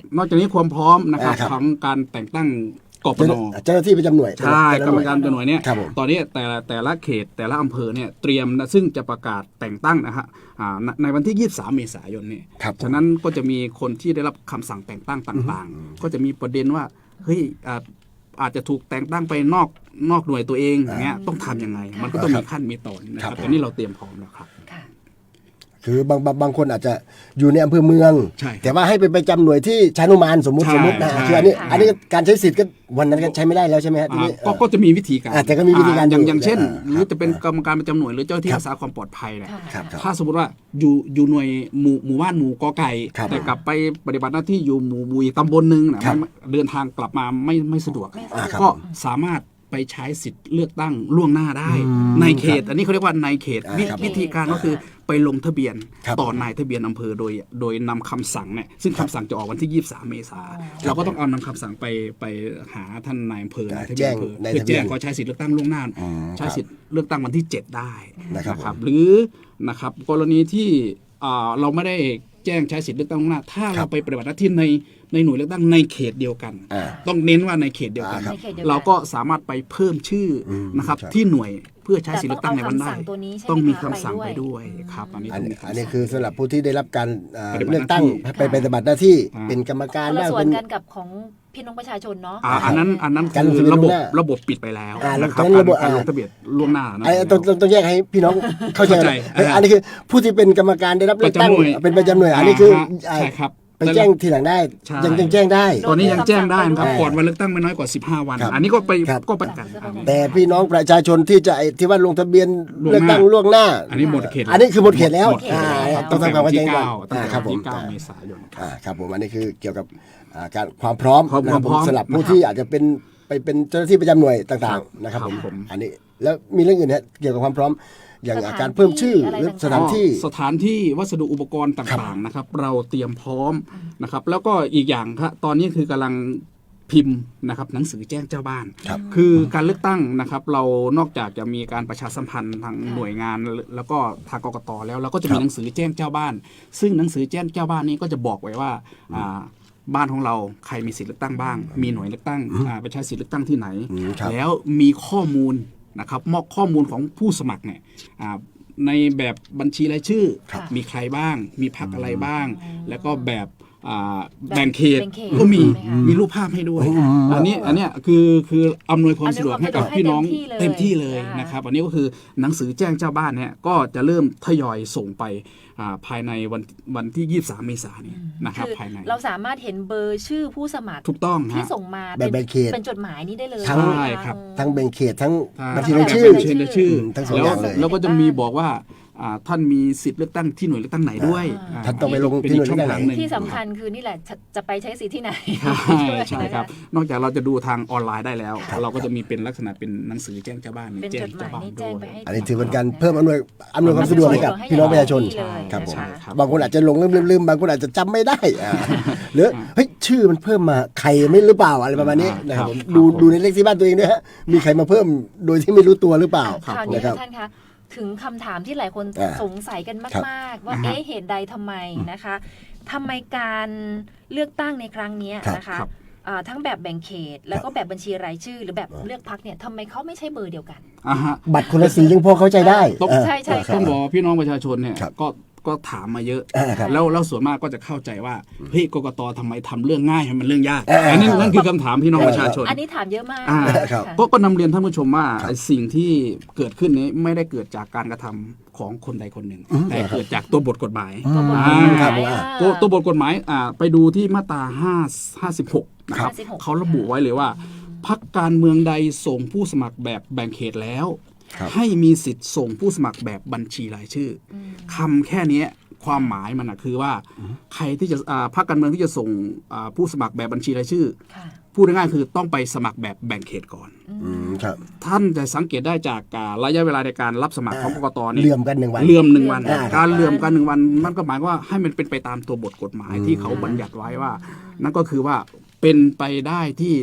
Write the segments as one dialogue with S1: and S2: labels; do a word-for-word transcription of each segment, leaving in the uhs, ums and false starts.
S1: นอกจากนี้ความพร้อมนะครับของการแต่งตั้งกปน.
S2: เจ้าหน้าที่ประจำหน่วย
S1: ใช่กรรมการประจำหน่วยเนี่ย
S2: ครับผม
S1: ตอนนี้แต่ละแต่ละเขตแต่ละอำเภอเนี่ยเตรียมนะซึ่งจะประกาศแต่งตั้งนะฮะอ่าในในวันที่ยี่สิบสามเมษายนเนี่ย
S2: ครับ
S1: ฉะนั้นก็จะมีคนที่ได้รับคำสั่งแต่งตั้งต่างๆ ก็จะมีประเด็นว่าเฮ้ยอ่าอาจจะถูกแต่งตั้งไปนอกนอกหน่วยตัวเองอย่างเงี้ยต้องทำยังไง มันก็ต้องมีขั้นมีตอนนะครับตอนนี้เราเตรียมพร้อมแล้วครับ
S2: คือบางบางบางคนอาจจะอยู่ในอำเภอเมือง
S1: ใช่
S2: แต่ว่าให้ไปประจำหน่วยที่ชานุมานสมมุติ
S1: ใช่
S2: สมมุตินะ
S1: ใช่
S2: คืออันนี้
S3: ค่ะ
S2: อันนี้การใช้สิทธิ์ก็วันนั้นก็ใช้ไม่ได้แล้วใช่ไหมฮะที
S1: อ่า
S2: นี้
S1: ก็ก็จะมีวิธีการ
S2: อ่าแต่ก็มีวิธีการ
S1: อ่อย่าง
S2: อยู่
S1: อย่างเช่น
S2: อ่า
S1: หรือจะเป็น
S2: ครับ
S1: กรรมการประจำหน่วยหรือเจ้าหน้าที่
S2: ครับ
S1: รักษาความปลอดภัยเนี่ย
S2: ครับครับ
S1: ถ้าสมมติว่าอยู่อยู่หน่วยหมู่หมู่บ้านหมู่กอไก่
S2: ครับ
S1: แต่กลับไปปฏิบัติหน้าที่อยู่หมู่หมู่อีกตำบลหนึ่งนะครับ ไม่เดินทางกลับมาไม่ไม่สะดวก
S3: ไม่สะดวก
S1: ก็สามารถไปใช้สิทธิ์เลือกตั้งล่วงหน้าได้
S2: อืม
S1: ในเขต อันนี้เขาเรียกว่าในเขต
S2: อ่า
S1: วิ
S2: ครับ
S1: วิธีการก็คือไปลงทะเบียน
S2: ครับ
S1: ต่อนายทะเบียนอำเภอโดยโดยนำคำสั่งเนี่ยซึ่งคำสั่งจะออกวันที่ยี่สิบสามเมษาเราก็ต้องเอานำคำสั่งไปไปหาท่านนายอำเภอนายทะเบียนอำเภอ
S2: แจ้งนาย
S1: เพื่อ
S2: ทะเบี
S1: แจ้
S2: ยน
S1: งขอใช้สิทธิ์เลือกตั้งล่วงหน้า
S2: อืม
S1: ใช้สิทธิ์เลือกตั้งวันที่เจ็ดได้
S2: นะครับ
S1: หรือนะครับกรณีที่อ่าเราไม่ได้แจ้งใช้สิทธิ์เลือกตั้งล่วงหน้า ถ้า
S2: ครั
S1: เรา
S2: บ
S1: ไปปฏิบัติหน้าที่ในในหน่วยเลือกตั้งในเขตเดียวกัน
S2: อ่า
S1: ต้องเน้นว่าในเขตเดียวกัน
S2: อ่าครับ
S3: ในเขตเดียวกัน
S1: เราก็สามารถไปเพิ่มชื่ออ
S2: ม
S1: นะครับ
S2: ครับ
S1: ที่หน่วยเพื่อใช้สิทธิ์เลือกตั้งในวันได้
S3: ต้องเอาคำสั่งตัวนี้ใช่ไหม
S1: ต้องมี
S3: คะ
S1: คำสั่ง
S3: ไป
S1: ไป
S3: ด้
S1: ด้
S3: ว
S1: วย ยครับอันนี้
S2: อัน
S1: ต้อง
S2: นี้
S1: มีคำสั่ง
S2: อันนี้คือสำหรับผู้ที่ได้รับการเอ่อ
S1: ปฏิบัติ
S2: เลือกตั้ง
S1: หน้าที่
S2: ไปปฏิบัติหน้าที่
S1: อ่า
S2: เป็นกรรมการ
S3: คนละ
S2: บ้าง
S3: ส่ว
S2: เป็น น
S3: กันกับของพี่น้องประชาชนเนาะ
S1: อ่าอันนั้นอันนั้น
S2: การ
S1: คือ
S2: ลงทะเบียน
S1: ระบบ
S2: ล่วงหน้า
S1: ระบบปิดไปแล้ว
S2: อ่า
S1: นะครับ
S2: แล้วระบบ
S1: การลง
S2: อ่า
S1: ทะเบียนล่วงหน้านะ
S2: ไอ้ต้องต้องต้องแยกให้พี่น้องเข้าใจ
S1: เข้าใจ
S2: เฮ้ย
S1: อ่า
S2: อันนี้คือผู้ที่เป็นกรรมการได้รับเลือกตั้ง
S1: ประจำหน่วย
S2: เป็นประจำหน่วยอันนี้คือ
S1: อ่าฮะใช่ครับ
S2: ไปแจ้งทีหลังได้
S1: ใช่
S2: ยังยังแจ้งได้
S1: ตอนนี้ยังแจ้งได้นะครับ
S2: อ่า
S1: ก่อนวันเลือกตั้งไม่น้อยกว่าสิบห้าวัน
S2: ครับ
S1: อันนี้ก็ไป
S2: ครับ
S1: ก็ประกันอันนี้
S2: แต่พี่น้องประชาชนที่จะไอ้ที่ว่าลงทะเบียน
S1: ล่วงหน้า
S2: เลือกตั้งล่วงหน้า
S1: อันนี้หมดเขต
S2: อันนี้คือหมดเขตแล้ว
S1: หมดเขต
S2: อ่า
S1: แล้ว
S2: ต้องทำความเข้าใจ
S1: ตั้งแต่
S2: ก่อน
S1: วันที่เก้าตั้ง
S2: อ่า
S1: แต่
S2: ครับ
S1: วัน
S2: ผม
S1: ที่เก้าเมษายน
S2: อ่าครับผมอันนี้คือเกี่ยวกับอ่าการความพร้อม
S1: ความ
S2: นะครับ
S1: พร้อม
S2: สำหรับผู้
S1: นะครับ
S2: ที่อาจจะเป็นไปเป็นเจ้าหน้าที่ประจำหน่วยต่างๆนะครับ
S1: ครับ
S2: ผม
S1: ผม
S2: อันนี้แล้วมีเรื่องอื่นนะเกี่ยวกับความพร้อมอย่าง
S3: สถาน
S2: การเพิ่มชื่อ
S3: ที่อะไร
S2: หรือ
S3: ต่างๆ
S2: สถานที่
S1: สถานที่วัสดุอุปกรณ์ต่างๆนะครับ เราเตรียมพร้อมนะครับ แล้วก็อีกอย่างครับตอนนี้คือกำลังพิมพ์นะครับหนังสือแจ้งเจ้าบ้าน
S2: ครับ
S1: คือการเลือกตั้งนะครับ เรานอกจากจะมีการประชาสัมพันธ์ทางหน่วยงาน แล้วก็ทางกกตแล้วเราก็จะมีหนังสือแจ้งเจ้าบ้าน ซึ่งหนังสือแจ้งเจ้าบ้านนี้ก็จะบอกไว้ว่าอ่าบ้านของเราใครมีสิทธิเลือกตั้งบ้าง มีหน่วยเลือกตั้งอ่าไปใช้สิทธิเลือกตั้งที่ไหน
S2: อืมครับ
S1: แล้วมีข้อมูลนะครับมอบข้อมูลของผู้สมัครเนี่ยอ่าในแบบบัญชีรายชื่อ
S3: ครับ
S1: มีใครบ้าง มีพรรคอะไรบ้าง แล้วก็แบบอ่า
S3: แบบ
S1: แบ่งเขต
S3: แบ่งเขต
S1: ก็มี
S3: ใช่ไหมคะ
S1: มีรูปภาพให้ด้วย
S2: อืม
S1: อันนี้อันเนี้ยคือคืออำนวยความสะดวกให้กับ
S3: อำนวยความสะดวกให้
S1: พี่น้อง
S3: เต็
S1: เต็ม
S3: มที่
S1: ที่
S3: เล
S1: เลย ย
S3: อ่าน
S1: นะครับอันนี้ก็คือหนังสือแจ้งเจ้าบ้านเนี่ยก็จะเริ่มทยอยส่งไปอ่าภายในวันวันที่ยี่สิบสามเมษายนนี้นะครับ
S3: คือ
S1: ภายใน
S3: เราสามารถเห็นเบอร์ชื่อผู้สมัคร
S1: ถูกต้อง
S3: ที่
S1: ฮะ
S3: ส่งมา
S2: แบบ
S3: เป็น
S2: แบ่งเขต
S3: เป็นจดหมายนี้ได้เลย
S2: ทั้ง
S3: ไหมะ
S1: ใช่ครับ
S2: ทั้งแบ่งเขตทั้ง
S1: อ่า
S2: บัญชี
S3: ทั้
S2: ราง ย
S3: แบบ
S2: ชื่อ
S1: บัญชีรายชื่อ
S2: ทั้งสอง
S1: แล้ว
S2: อย่างเลย
S1: แล้วก็จะมีบอกว่าอ่าท่านมีสิทธิ์เลือกตั้งที่หน่วยเลือกตั้งไหนด้วย
S3: อ่า
S2: ท่านต้องไปลงที่หน่วยเลือกตั้งไหน
S1: ป็กช่ทานึ่
S3: ที่สำคัญคือนี่แหละจะจะไปใช้สิทธิ์ที่ไหน
S1: ใช่ใช่ครับ นอกจากเราจะดูทางออนไลน์ได้แล้ว เราก็จะมีเป็นลักษณะเป็นหนังสือแจ้งเจ้าบ้าน
S3: เป็น
S1: แจ้
S3: จ
S1: ง
S3: ดห
S1: เจ้า
S3: หมาย
S1: บ้าน
S3: นี่
S1: ด้
S3: แจ้ง
S1: วย
S3: ไปให้
S2: อันนี้ถือเป็นการเพิ่มอำนวยอำนวยความสะดวกให้กับพี่น้องประชาชน
S3: ให้
S2: ครับผม
S3: ใช่ค่ะ
S2: บางคนอาจจะหลงลืมลืมลืมบางคนอาจจะจำไม่ได้อ่าหรือเฮ้ยชื่อมันเพิ่มมาใครไม่หรือเปล่าอะไรประมาณนี้นะครับผมดูดูในเลขที่บ้านตัวเองด้วยฮะมีใครมาเพิ่มโดยที่ไม่รู้ตัวหรือเปล่า
S3: คราวนี้
S2: นะครับ
S3: ท่านคะถึงคำถามที่หลายคน
S2: อ่า
S3: สงสัยกัน
S2: ครับ
S3: มาก ๆ ว่าเอ๊ะเหตุใดทำไมนะคะทำไมการเลือกตั้งในครั้งนี้นะคะ
S1: ครับ
S3: อ่าทั้งแบบแบ่งเขต แล้วก็แบบบัญชีรายชื่อ หรือแบบเลือกพรรคเนี่ยทำไมเขาไม่ใช่เบอร์เดียวกัน
S1: อ่าฮะ
S2: บัตรคนละสียังพอเข้าใจได้
S1: ต้อง
S2: เออ
S3: ใช่ใช่
S2: เออ
S1: ต้องบอกว่าพี่น้องประชาชนเนี่ย
S2: ครับ
S1: ก็ก็ถามมาเยอะ
S2: อ่าครับ
S1: แล้วแล้วส่วนมากก็จะเข้าใจว่าเฮ้ยกกตทำไมทำเรื่องง่ายให้มันเรื่องยาก
S2: อ่า
S1: อันนี้นั่นคือคำถามพี่น้องประชาชน
S3: อันนี้ถามเยอะมาก
S1: อ่า
S2: ครับ
S3: ค่ะ
S1: ก็ก็นำเรียนท่านผู้ชมว่า
S2: ครับ
S1: ไอ้สิ่งที่เกิดขึ้นนี้ไม่ได้เกิดจากการกระทำของคนใดคนหนึ่ง
S2: อืม
S1: แต่เกิดจากตัวบทกฎหมาย
S2: อืม
S1: อ่า
S2: ครับผม
S3: อ่า
S1: ตัวตัวบทกฎหมายอ่าไปดูที่มาตราห้า ห้าสิบหกนะครับ
S3: ห้าสิบหก
S1: เขาระบุไว้เลยว่าพรรคการเมืองใดส่งผู้สมัครแบบแบ่งเขตแล้ว
S2: ครับ
S1: ให้มีสิทธิ์ส่งผู้สมัครแบบบัญชีรายชื่ออคำแค่เนี้ยความหมายมันนะคือว่าใครที่จะอ่าพรรคการเมืองที่จะส่งอ่าผู้สมัครแบบบัญชีรายชื่อ
S3: ค่ะ
S1: พูดง่ายๆคือต้องไปสมัครแบบแบ่งเขตก่อน
S2: อืมครับ
S1: ท่านจะสังเกตได้จากอ่าระยะเวลาในการรับสมัครของกกตเนี่ย
S2: เหลื่อมกันหนึ่งวัน
S1: เลื่อมหนึ่งวัน
S2: อ่า
S1: การเลื่อมกันหนึ่งวันนั่นก็หมายว่าให้มันเป็นไปตามตัวบทกฎหมายที่เขาบัญญัติไว้ว่า นั่นก็คือว่าเป็นไปได้ที่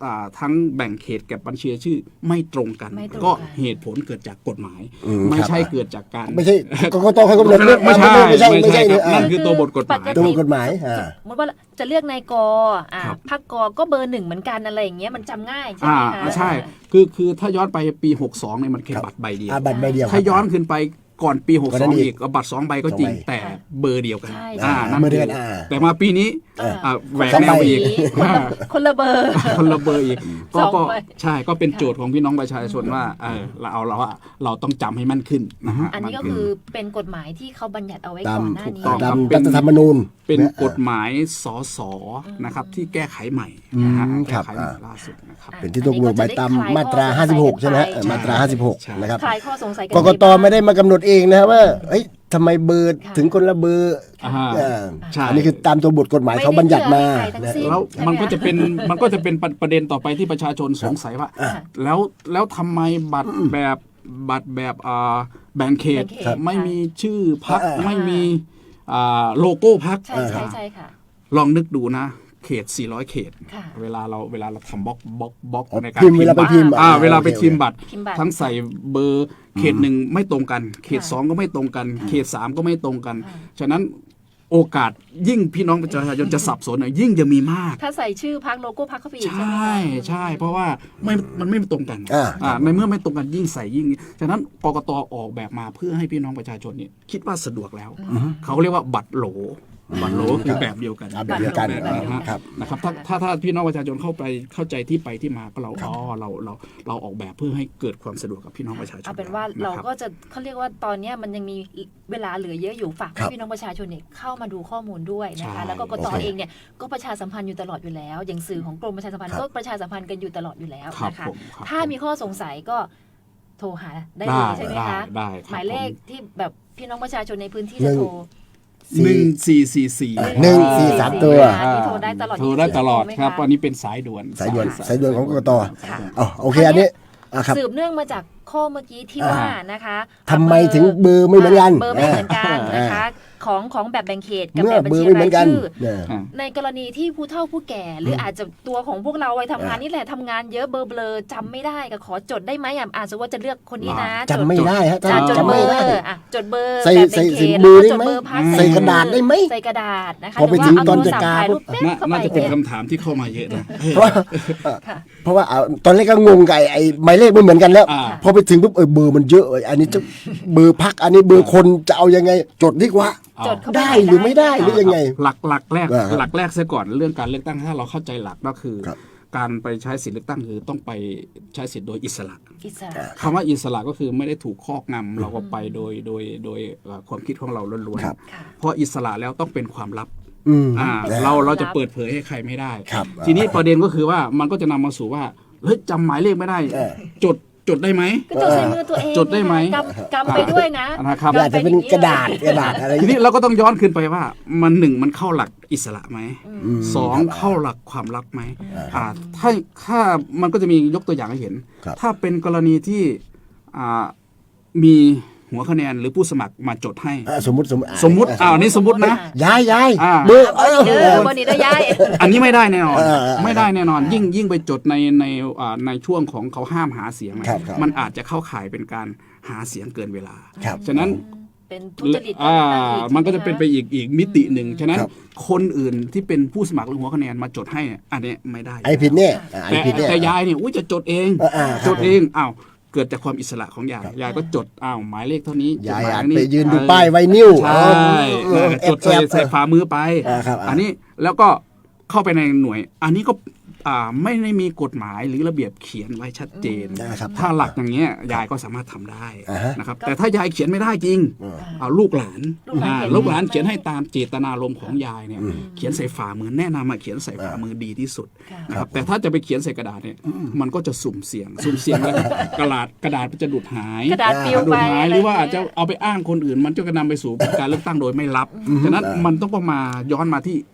S1: อ่าทั้งแบ่งเขตกับบัญชีรายชื่อไม่ตรงกัน
S3: ไม่ตรงกัน
S1: ก็เหตุผลเกิดจากกฎหมาย
S2: อืม
S1: ไม่
S2: ครับ
S1: ใช่เกิดจากการ
S2: ไม่ใช่กกตเขากำหนด
S1: ไม่ใช่
S2: ไม่ใช่
S1: ไม่
S2: ไม่
S1: ใช่
S2: ใช่
S1: ครับ
S2: เนี่ยอ่า
S1: นั่นคือตัวบทกฎหมาย
S3: ปติ
S2: ตัวบทกฎหมายอ่า
S3: สมมติว่าจะเลือกนายกอ่า
S1: ครับ
S3: พักกก็เบอร์หนึ่งเหมือนกันอะไรอย่างเงี้ยมันจำง่ายใช่
S1: อ่า
S3: ไหมคะ
S1: ใช่คือคือถ้าย้อนไปปีหกสองเนี่ยมันแค่บัตรใบเดียว
S2: อ่าบัตรใบเดียว
S1: ถ้าย้อนขึ้นไปก่อนปีหก
S2: ก่อน
S1: ส
S2: นั้
S1: อง
S2: นอีก
S1: อีกเอาบัตรสองใบก็จริง
S2: สองใบ
S1: แต่เบอร์เดียวกัน
S3: ใช่
S1: อ่า
S3: ใช่
S1: นั่น
S2: เบอร์เดียว
S1: คื
S2: กันอ่า
S1: แต่มาปีนี้
S3: อ่า
S1: อ่าแหวก
S2: สอง
S1: แน
S2: ใบ
S1: วอีก
S3: คนละคนละเบอร์
S1: คนละเบอร์อีกก็
S3: สอง
S1: ก็
S3: ใบ
S1: ใช่ก็เป็นโจทย์ของพี่น้องประชาชนว่าเออเราเอาเราว่าเราต้องจำให้มั่นขึ้นนะฮะ
S3: อันนี้ก็
S1: มั่
S3: คือเป็นกฎหมายที่เขาบัญญัติเอาไว้
S2: ตาม
S3: ก่อนหน้า
S1: ถูก
S3: นี้
S1: ต้อง
S2: ตาม
S1: เป็น
S2: รัฐธรรมนูญ
S1: เป็น
S2: นะ
S1: กฎหมายสสนะครับที่แก้ไขใหม่นะฮะ
S2: อืม
S1: แก้ไขใหม่
S2: ครับ
S1: ล่าสุดนะครับ
S2: เป็นที่ต้องกำหนดไปตามมาตราห้าสิบหกใช่ไหมฮะเออมาตราห้าสิบหก
S1: ใช่
S2: นะครับ
S3: คลายข้อสงสัยกัน
S2: กกต
S3: ยังงบ้าง
S2: ไม่ได้มากำหนดเองนะครับว่าเฮ้ยทำไมเบอร์
S3: ค่ะ
S2: ถึงคนละเบอร์
S1: อ่า
S2: อ่า
S1: ใช่
S2: อันนี้คือตามตัวบทกฎหมายเขาบัญญัติมา
S3: ไม่ได้เชื่อให้ใครทั้งสิ้น
S1: แล้ว
S3: ใช่ไหม
S1: มันก็
S3: คะ
S1: จะเป็นมันก็จะเป็นประประเด็นต่อไปที่ประชาชนสงสัยว่า
S3: อ่า
S1: แล้วแล้วทำไมบัตรแบบบัตรแบบอ่าแบ่งเขต
S3: แบ่งเขต
S1: ไม่มีชื่อพัก
S2: อ่า
S1: ไม่มีอ่าโลโก้พัก
S3: ใช่ใช่ใช่ค่ะ
S1: ลองนึกดูนะ เขต สี่ร้อย เขต
S3: ค่ะ
S1: เวลาเราเวลาเราทำบล็อกบล็อกบล็อก
S2: อ๋อ
S1: ในการ
S2: พิมพ์เวลาไปพิมพ์
S1: อ่า
S2: อ่า
S1: เวลาไป
S2: โอเค
S1: พิมพ์บัตร
S3: พิมพ์บัตร
S1: ทั้งใส่เบอร์เขตหนึ่งไม่ตรงกัน เขต
S3: ค่ะ
S1: สองก็ไม่ตรงกัน เขตสามก็ไม่ตรงกัน
S3: ค่ะ
S1: ฉะนั้นโอกาสยิ่งพี่น้องประชาชนจะสับสนเนี่ยยิ่งจะมีมาก
S3: ถ้าใส่ชื่อพักโลโก้พักเข้าไปอีก
S1: ใช
S3: ใช่ไหม่ คะ
S1: ใช่ เพราะว่าไม่มันไม่ตรงกัน
S2: อ่า
S1: อ่าในเมื่อไม่ตรงกันยิ่งใส่ยิ่ง ฉะนั้นกกตออกแบบมาเพื่อให้พี่น้องประชาชนเนี่ยคิดว่าสะดวกแล้ว เขาเรียกว่าบัตรโหล บัตรโหลคือแบบเดียวกัน
S2: อ่าแบบเดียวกัน
S1: แบบนะฮะ
S2: ครับ
S1: นะครับถ้าถ้าถ้าพี่น้องประชาชนเข้าไปเข้าใจที่ไปที่มาก็เราอ๋อเราเราเราออกแบบเพื่อให้เกิดความสะดวกกับพี่น้องประชาชน
S3: เอาเป็นว่าเรา
S1: ะคบ
S3: ก็จะเขาเรียกว่าตอนเนี้ยมันยังมีเวลาเหลือเยอะอยู่ฝาก
S2: ครั
S3: ให้
S2: บ
S3: พี่น้องประชาชนเนี่ยเข้ามาดูข้อมูลด้วยนะคะ
S1: ใช่
S3: แล้วก็กต
S2: โอเค
S3: เองเนี่ยก็ประชาสัมพันธ์อยู่ตลอดอยู่แล้ว อย่างสื่อของกรมประชาสัมพันธ์
S2: ครับ
S3: ก็ประชาสัมพันธ์กันอยู่ตลอดอยู่แล้ว
S1: ครับ
S3: นะคะ
S1: ผมครับ
S3: ถ้ามีข้อสงสัยก็โทรหาได้เลยใช่ไหม
S1: ได้
S3: คะ
S1: ได้ครับ
S3: หมายเลขที่แบบพี่น้องประชาชนในพื้นที่
S2: หนึ่
S3: จะ
S2: ง
S3: โทร
S1: หนึ่งสี่สี่สี่
S2: อ่าหนึ่งสี่สามตัว
S3: อันนี้โทรได้ตลอด
S1: โทรได้ตลอด
S3: ไหมะ
S1: ครับอันนี้เป็นสายด่วน
S2: สายด่วน
S3: ค่ะ
S2: สายด่วนของกกต
S3: ค่ะ
S2: อ๋อโอเคอันนี้อ่ะครับ
S3: สืบเนื่องมาจากข้อเมื่อกี้ที่
S2: อ่า
S3: ว่านะคะ
S2: ทำไมถึงเบอร์ไม่เหมือนกัน
S3: เบอร์ไม่เหมือนกัน
S2: อ่า
S3: นะคะของของแบบแบ่งเขตกับ
S2: เมื่อ
S3: แบบบัญ
S2: เบอ
S3: ชี
S2: ร์ไม่เหมื
S3: รา
S2: อยนกัน
S3: ชื่อ
S2: เนี่ย
S1: อ่า
S3: ในกรณีที่ผู้เฒ่าผู้แก่ หรืออาจจะตัวของพวกเราไปทำงาน
S2: อ่านี่
S3: นี่แหละทำงานเยอะเบอร์เบลอจำไม่ได้ก็ขอจดได้ไหมอ่ะอาจจะว่าจะเลือกคนนี้นะ
S2: จำไม่ได้ฮะ
S3: จดจด
S2: จำ
S3: เบอ
S2: ไม่
S3: ร์
S2: ได้
S3: อ่ะจดเบอร์
S2: ใส่
S3: แบบ
S2: ใส่
S3: แบ่งเข
S2: ใส่
S3: ต
S2: เบอร์
S3: แล้ว
S2: ได้
S3: ก็จ
S2: ไหม
S3: ดเบอร์พัก
S2: ใส่กระดาษได้ไหม
S3: ใส่กระดาษนะคะ
S2: พอไปถึงตอนจัดการ
S3: หรือว่าเอโทรศัพท์ถ่ายรูปแป๊บ
S1: น่า
S3: เข้าไป
S1: น่าจะเป็น
S3: เนี่ย
S1: คำถามที่เข้ามาเยอะนะ
S2: เพราะว่า
S3: ค่ะ
S2: เพราะว่าอ่ะตอนแรกก็งงไก่ไอ้หมายเลขไม่เหมือนกันแล้ว
S1: อ่า
S2: พอไปถึงปุ๊บเออเบอร์มันเยอะเว้ยอันนี้จะเบอร์พักอันนี้เบอร์คนจะเอายังไง จดดีกว่า
S3: จดเข้าป
S2: ได้หรือไม่ได้หรือยังไง
S1: หลักหลักแรก
S2: อ่าครับ
S1: หลักแรกเสียก่อนเรื่องการเลือกตั้งถ้าเราเข้าใจหลักก็คือ
S2: ครับ
S1: การไปใช้สิทธิเลือกตั้งคือต้องไปใช้สิทธิ์โดยอิสระ
S3: อิสระ
S1: คำว่าอิสระก็คือไม่ได้ถูกครอบงำเราก็ไปโดยโดยโดยเอ่อความคิดของเราล้วน
S2: ครับ
S3: ค่ะ
S1: ๆเพราะอิสระแล้วต้องเป็นความลับ
S2: อืม
S1: อ่า
S2: นะ
S1: เราเราจะเปิดเผยให้ใครไม่ได้
S2: ครับ
S1: ทีนี้ประเด็นก็คือว่ามันก็จะนำมาสู่ว่าเฮ้ยจำหมายเลขไม่ได้
S2: เออ
S1: จดจดได้ไหม
S3: ก็จดใส่มือตัวเอง
S1: จดได้ไหม
S3: กำกำไปด้วยนะ
S1: นะครับ
S2: อาจจะเป็นกระดาษกระดาษอะไร
S1: ทีนี้เราก็ต้องย้อนขึ้นไปว่ามันหนึ่งมันเข้าหลักอิสระไหม
S2: อืม
S1: สอง
S2: ครับ
S1: เข้าหลักความลับไหมอ่าถ้าถ้ามันก็จะมียกตัวอย่างให้เห็น
S2: ครับ
S1: ถ้าเป็นกรณีที่อ่ามีหัวคะแนนหรือผู้สมัครมาจดให้
S2: อ่ะสมมติสมมติ
S1: สมมุติอ้าวนี่สมมุตินะ
S2: ย้ายย้าย
S1: อ่า
S2: เบอร์
S3: บอดีเดอร์บอดีเดอร์ย้าย
S1: อันนี้ไม่ได้แน่นอน
S2: เออเออ
S1: ไม่ได้แน่นอน ยิ่งยิ่งไปจดในในอ่าในช่วงของเขาห้ามหาเสียงเนี่ย
S2: ครับครับ
S1: มันอาจจะเข้าข่ายเป็นการหาเสียงเกินเวลา
S2: ครับ
S1: ฉะนั้น
S3: เป็นทุจริต
S1: อ่า
S3: การเลือกตั้งอี
S1: มันก็จะเป็นไปอีกอีกมิติหนึ่งฉะนั้น
S2: ครับ
S1: คนอื่นที่เป็นผู้สมัครหรือหัวคะแนนมาจดให้เนี่ยอันเนี้ยไม่ได้
S2: ไอ้ผิดเนี่ยอ่ะไอ้
S1: แต่
S2: ผิดเนี่ย
S1: แต่ยายเนี่ยอุ้ยจะจดเอง
S2: เอออ่าครับ
S1: จดเองอ้าวเกิดจากความอิสระของยายยายก็จดอ้าวหมายเลขเท่านี้
S2: ยาย
S1: จดหม
S2: อาจ
S1: เลข
S2: ไปยืนดู
S1: เออ
S2: ป้ายไวนิ้ว
S1: ใช่
S2: เออ
S1: จดใส่
S2: แอบๆ
S1: ใส่ฝ่ามือไป
S2: อ่าครับอ่า
S1: อันนี้แล้วก็เข้าไปในหน่วย อันนี้ก็อ่าไม่ได้มีกฎหมายหรือระเบียบเขียนไว้ชัดเจน
S2: นะครับ
S1: ถ้าหลักอย่างเงี้ยยายก็สามารถทำได้
S2: อ่าฮะ
S1: นะครับแต่ถ้ายายเขียนไม่ได้จริง
S2: อืม
S1: เอาลูกหลาน
S3: ลูกหลาน
S1: อ่า
S3: เขียน
S1: ลูกหลาน
S3: ไม่ได้
S1: เขียนให้ตามเจตนารมณ์ของยายเนี่ยเขียนใส่ฝ่ามือแนะนำมาเขียนใส่ฝ่ามือดีที่สุด
S3: ค่ะ
S1: นะครับแต่ถ้าจะไปเขียนใส่กระดาษเนี่ยมันก็จะสุ่มเสี่ยง สุ่มเสี่ยงแล้วกระดาษกระดาษมันจะดูดหาย
S3: กระดาษปลิว
S1: ดู
S3: ไป
S1: ดหาย
S3: ะ
S1: ห
S3: ไ
S1: รือว่าอาจจะ
S3: เงี้ย
S1: เอาไปอ้างคนอื่น มันจะนำไปสู่การเลือกตั้งโดยไม่รับฉะนั้นมันต้องมาย้อนมาที่